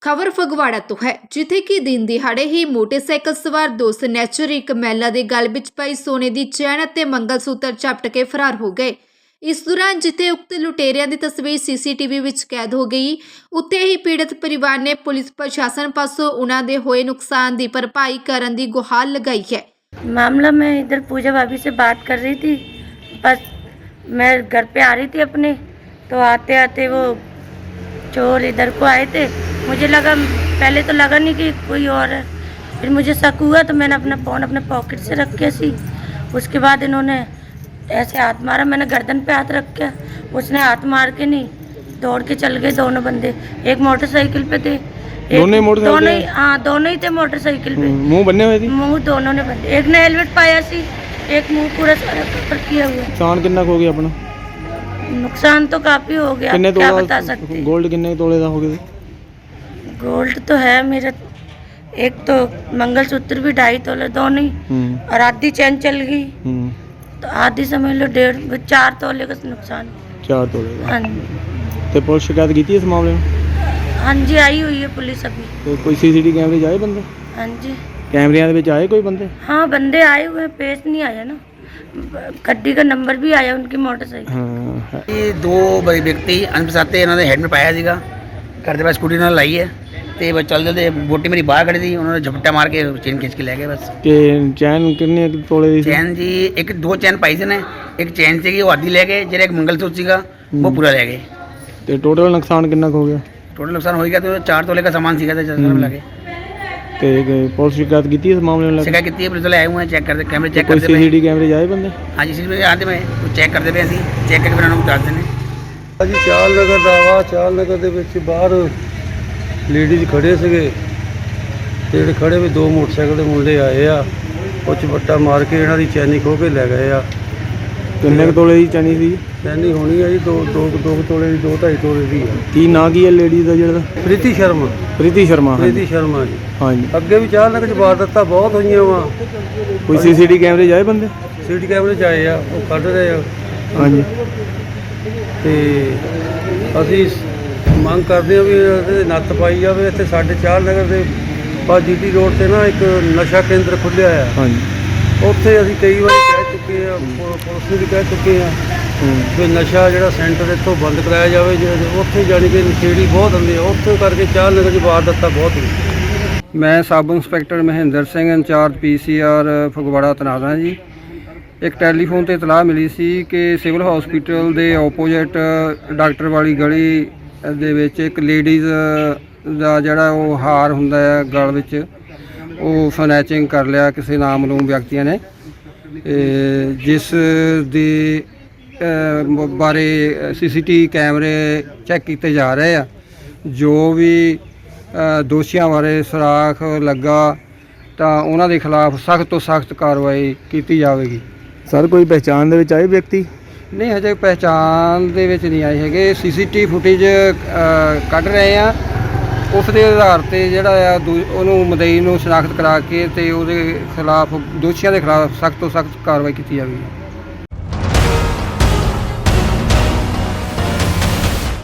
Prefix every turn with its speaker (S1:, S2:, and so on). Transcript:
S1: ਖਬਰ ਫਗਵਾੜਾ ਤੋਂ ਹੈ, ਜਿੱਥੇ ਕਿ ਦਿਨ ਦਿਹਾੜੇ ਹੀ ਮੋਟਰਸਾਈਕਲ ਸਵਾਰ ਦੋ ਸਨੈਚਰ ਇੱਕ ਮਹਿਲਾ ਦੇ ਗਲ ਵਿੱਚ ਪਈ ਸੋਨੇ ਦੀ ਚੈਨ ਅਤੇ ਮੰਗਲਸੂਤਰ ਝਪਟ ਕੇ ਫਰਾਰ ਹੋ ਗਏ। ਇਸ ਦੌਰਾਨ ਜਿੱਥੇ ਉਕਤ ਲੁਟੇਰਿਆਂ ਦੀ ਤਸਵੀਰ ਸੀਸੀਟੀਵੀ ਵਿੱਚ ਕੈਦ ਹੋ ਗਈ, ਉੱਥੇ ਹੀ ਪੀੜਤ ਪਰਿਵਾਰ ਨੇ ਪੁਲਿਸ ਪ੍ਰਸ਼ਾਸਨ ਪਾਸੋਂ ਉਹਨਾਂ ਦੇ ਹੋਏ ਨੁਕਸਾਨ ਦੀ ਭਰਪਾਈ ਕਰਨ ਦੀ ਗੁਹਾਰ ਲਗਾਈ है।
S2: मामला मैं इधर पूजा भाभी से बात कर रही थी, बस मैं घर पे आ रही थी अपने, तो आते आते वो चोर इधर को आए थे। मुझे लगा, पहले तो लगा नहीं कि कोई और है, फिर मुझे शक हुआ तो मैंने अपना फ़ोन अपने पॉकेट से रख के सी, उसके बाद इन्होंने ऐसे हाथ मारा, मैंने गर्दन पे हाथ रख के, उसने हाथ मार के नहीं दौड़ के चल गए दोनों बंदे। एक मोटरसाइकिल पे थे, दोनों ही, हाँ दोनों ही थे मोटरसाइकिल पे।
S3: मुंह बन्ने हुए थे?
S2: मुंह दोनों ने बंदे, एक ने हेलमेट पाया सी, एक मुंह पूरा सारा कवर किया हुआ।
S3: नुकसान कितना हो गया अपना?
S2: नुकसान तो काफी हो गया, क्या बता सकते।
S3: गोल्ड कितने तोले का हो गया?
S2: गोल्ड तो है मेरा, एक तो मंगलसूत्र भी 2.5 तोले दोनों ही, और आधी चैन चल गई, तो आधी समझ लो 4 तोले का नुकसान।
S3: 4 तोले का।
S2: हाँ जी,
S3: ਤੇ ਪੁਲਿਸ ਸ਼ਿਕਾਇਤ ਕੀਤੀ ਇਸ ਮਾਮਲੇ ਨੂੰ?
S2: हाँ जी आई हुई है पुलिस अभी।
S3: ਤੇ ਕੋਈ ਸੀਸੀਟੀਵੀ ਕੈਮਰੇ 'ਚ ਆਏ ਬੰਦੇ?
S2: हाँ जी,
S3: ਕੈਮਰਿਆਂ ਦੇ ਵਿੱਚ ਆਏ ਕੋਈ ਬੰਦੇ?
S2: हाँ बंदे आए हुए हैं, पेश नहीं आया ना, गड्डी का नंबर भी आया उनकी मोटरसाइकिल।
S3: ਹਾਂ
S4: ਇਹ ਦੋ ਵਿਅਕਤੀ ਅਣਪਛਾਤੇ ਇਹਨਾਂ ਦੇ ਹੈਲਮਟ ਪਾਇਆ ਸੀਗਾ, ਘਰ ਦੇ ਪਾਸ ਸਕੂਟੀ ਨਾਲ ਲਾਈ ਹੈ ਤੇ ਬਸ ਚੱਲਦੇ ਵੋਟੀ ਮੇਰੀ ਬਾਹਰ ਖੜੀ ਸੀ, ਉਹਨਾਂ ਨੇ ਝਪਟਾ ਮਾਰ ਕੇ ਚੇਨ ਖਿੱਚ ਕੇ ਲੈ ਗਏ ਬਸ।
S3: ਤੇ ਚੈਨ ਕਿੰਨੇ ਤੋਲੇ ਦੀ ਸੀ?
S4: ਚੈਨ ਜੀ ਦੋ ਚੈਨ ਪਾਈ ਸੀ ਨੇ, ਇੱਕ ਚੈਨ ਸੀਗੀ ਉਹ ਆधी ਲੈ ਗਏ, ਜਿਹੜਾ ਇੱਕ ਮੰਗਲਸੂਤਰ ਸੀਗਾ ਉਹ ਪੂਰਾ ਲੈ ਗਏ।
S3: ਤੇ ਟੋਟਲ ਨੁਕਸਾਨ ਕਿੰਨਾ ਕੁ ਹੋ ਗਿਆ?
S4: टोटल नुकसान हो गया तो 4 तोले का सामान सीखा था मिला के।
S3: ਤੇ ਪੁਲਿਸ ਸ਼ਿਕਾਇਤ ਕੀਤੀ ਇਸ मामले में?
S4: शिकायत की है, पुलिस वाले आए हुए हैं, चेक करते कैमरे चेक
S3: कोई
S4: करते पे।
S3: सीसीटीवी कैमरे जाए बंदे?
S4: हाँ जी सीसीटीवी आते में चेक करते पे, ਅਸੀਂ चेक करके फिर उन्होंने बता देने।
S5: ਜੀ ਚਾਲ ਨਗਰ ਦਾ ਵਾ, ਚਾਲ ਨਗਰ ਦੇ ਵਿੱਚ ਬਾਹਰ ਲੇਡੀਜ਼ ਖੜੇ ਸੀਗੇ, ਤੇ ਜਿਹੜੇ ਖੜੇ ਵੀ ਦੋ ਮੋਟਰਸਾਈਕਲ ਦੇ ਮੁੰਡੇ ਆਏ ਆ, ਉਹ ਝਪੱਟਾ ਮਾਰ ਕੇ ਇਹਨਾਂ ਦੀ ਚੈਨੀ ਖੋਹ ਕੇ ਲੈ ਗਏ ਆ।
S3: ਕਿੰਨੇ ਕੁ ਤੋਲੇ ਦੀ ਚੈਨੀ ਸੀ?
S5: ਚੈਨੀ ਹੋਣੀ ਆ ਜੀ 2 ਤੋਲੇ ਦੀ, 2.5 ਤੋਲੇ ਦੀ ਆ।
S3: ਕੀ ਨਾਂ ਕੀ ਹੈ ਲੇਡੀਜ਼ ਦਾ ਜਿਹੜਾ?
S5: ਪ੍ਰੀਤੀ ਸ਼ਰਮਾ।
S3: ਪ੍ਰੀਤੀ ਸ਼ਰਮਾ।
S5: ਪ੍ਰੀਤੀ ਸ਼ਰਮਾ ਜੀ।
S3: ਹਾਂਜੀ।
S5: ਅੱਗੇ ਵੀ ਚਾਲ ਨਗਰ 'ਚ ਵਾਰਦਾਤਾਂ ਬਹੁਤ ਹੋਈਆਂ ਵਾ।
S3: ਕੋਈ ਸੀਸੀਟੀਵੀ ਕੈਮਰੇ ਜਾਏ ਬੰਦੇ?
S5: ਸੀਟੀ ਕੈਮਰੇ 'ਚ ਆਏ ਆ, ਉਹ ਕੱਢ ਰਹੇ ਆ।
S3: ਹਾਂਜੀ।
S5: ਤੇ ਅਸੀਂ ਮੰਗ ਕਰਦੇ ਹਾਂ ਵੀ ਇਹਦੇ ਨੱਥ ਪਾਈ ਜਾਵੇ। ਇੱਥੇ ਸਾਡੇ ਚਾਲ ਨਗਰ ਦੇ ਪਾਸ ਜੀਟੀ ਰੋਡ ਤੇ ਨਾ ਇੱਕ ਨਸ਼ਾ ਕੇਂਦਰ ਖੁੱਲ੍ਹਿਆ ਆ।
S3: ਹਾਂਜੀ।
S5: ਉੱਥੇ ਅਸੀਂ ਕਈ ਵਾਰੀ ਕਹਿ ਚੁੱਕੇ ਆ, ਪੁਲਿਸ ਨੂੰ ਵੀ ਕਹਿ ਚੁੱਕੇ ਆ ਵੀ ਨਸ਼ਾ ਜਿਹੜਾ ਸੈਂਟਰ ਇੱਥੋਂ ਬੰਦ ਕਰਾਇਆ ਜਾਵੇ। ਉੱਥੇ ਜਾਣੀ ਕਿ ਨਸ਼ੇੜੀ ਬਹੁਤ ਹੁੰਦੇ ਆ, ਉੱਥੇ ਕਰਕੇ ਚਾਲ ਨਗਰ 'ਚ ਵਾਰਦਾਤਾਂ ਬਹੁਤ ਹੁੰਦੀਆਂ। ਮੈਂ sub inspector Mahinder Singh, incharge PCR Phagwara ਤੈਨਾਤ ਹਾਂ ਜੀ। ਇੱਕ ਟੈਲੀਫੋਨ ਤੇ ਇਤਲਾਹ ਮਿਲੀ ਸੀ ਕਿ ਸਿਵਲ ਹਸਪੀਟਲ ਦੇ ਆਪੋਜਿਟ ਡਾਕਟਰ ਵਾਲੀ ਗਲੀ ਦੇ ਵਿੱਚ ਇੱਕ ਲੇਡੀਜ਼ ਦਾ ਜਿਹੜਾ ਉਹ ਹਾਰ ਹੁੰਦਾ ਹੈ ਗਲ ਵਿੱਚ, ਉਹ ਸਨੈਚਿੰਗ ਕਰ ਲਿਆ ਕਿਸੇ ਨਾਮਲੂਮ ਵਿਅਕਤੀਆਂ ਨੇ, ਜਿਸ ਦੇ ਬਾਰੇ CCTV ਕੈਮਰੇ ਚੈੱਕ ਕੀਤੇ ਜਾ ਰਹੇ ਆ। ਜੋ ਵੀ ਦੋਸ਼ੀਆਂ ਬਾਰੇ ਸੁਰਾਖ ਲੱਗਾ ਤਾਂ ਉਹਨਾਂ ਦੇ ਖਿਲਾਫ ਸਖਤ ਤੋਂ ਸਖਤ ਕਾਰਵਾਈ ਕੀਤੀ ਜਾਵੇਗੀ।
S3: ਸਰ ਕੋਈ ਪਹਿਚਾਣ ਦੇ ਵਿੱਚ ਆਏ ਵਿਅਕਤੀ?
S5: ਨਹੀਂ, ਹਜੇ ਪਹਿਚਾਣ ਦੇ ਵਿੱਚ ਨਹੀਂ ਆਏ ਹੈਗੇ। CCTV ਫੁਟੇਜ ਕੱਢ ਰਹੇ ਆ, ਉਸ ਦੇ ਆਧਾਰ 'ਤੇ ਜਿਹੜਾ ਆ ਉਹਨੂੰ ਮੁਦਈ ਨੂੰ ਸ਼ਨਾਖਤ ਕਰਾ ਕੇ ਤੇ ਉਹਦੇ ਖਿਲਾਫ, ਦੋਸ਼ੀਆਂ ਦੇ ਖਿਲਾਫ ਸਖਤ ਤੋਂ ਸਖਤ ਕਾਰਵਾਈ ਕੀਤੀ ਜਾਵੇਗੀ।